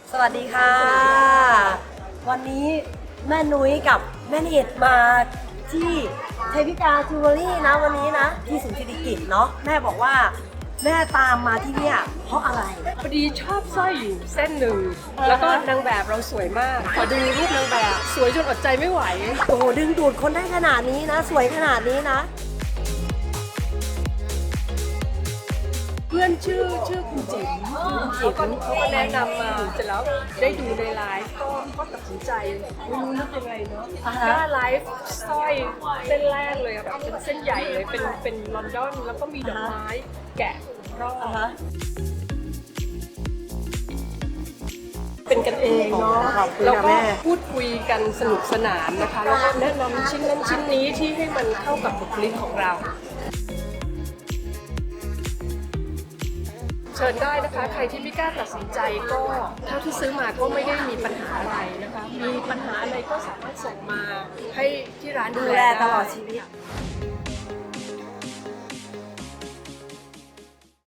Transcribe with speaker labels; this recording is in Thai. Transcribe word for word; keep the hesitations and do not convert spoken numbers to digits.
Speaker 1: สวัสดีค่ะ วันนี้แม่นุ้ยกับแม่เนตมาที่เทพิกาจิวเวลรี่นะวันนี้นะที่ศูนย์เศรษฐกิจเนาะแม่บอกว่าแม่ตามมาที่เนี่ยเพราะอะไร
Speaker 2: พอดีชอบสร้อยอยู่เส้นหนึ่ง แล้วก็นางแบบเราสวยมาก ขอดูรูปนางแบบสวยจนอดใจไม่ไหว
Speaker 1: โอ้โหดึงดูดคนได้ขนาดนี้นะ สวยขนาดนี้นะ
Speaker 2: เพื่อนชื่อชื่อคุณจิ๋มเขาก็เขาก็แนะนำมาเสร็จแล้วได้ดูในไลฟ์ก็ก็ตัดสินใจไม่รู้นึกยังไงเนาะ
Speaker 1: อ่าฮะ
Speaker 2: ก็ไลฟ์สร้อยเส้นแรกเลยอะแบบเป็นเส้นใหญ่เลยเป็นเป็นลอนดอนแล้วก็มีดอกไม้แกะรอบ
Speaker 1: อ่าฮะ
Speaker 2: เป็นกันเองเนาะ
Speaker 1: ขอบคุณ
Speaker 2: แล้ว
Speaker 1: ค่ะ
Speaker 2: ก็
Speaker 1: แม่
Speaker 2: พูดคุยกันสนุกสนานนะคะแล้วก็แนะนำชิ้นนั้นชิ้นนี้ที่ให้มันเข้ากับบุคลิกของเรา เชิญได้นะคะใครที่ไม่กล้าตัดสินใจก็เท่าที่ซื้อมาก็ไม่ได้มีปัญหาอะไรนะคะมีปัญหาอะไรก็สามารถส่งมาให้ที่ร้าน
Speaker 1: ดู
Speaker 2: ดู
Speaker 1: แล
Speaker 2: แล
Speaker 1: ตลอด
Speaker 2: ไ
Speaker 1: ชีวิต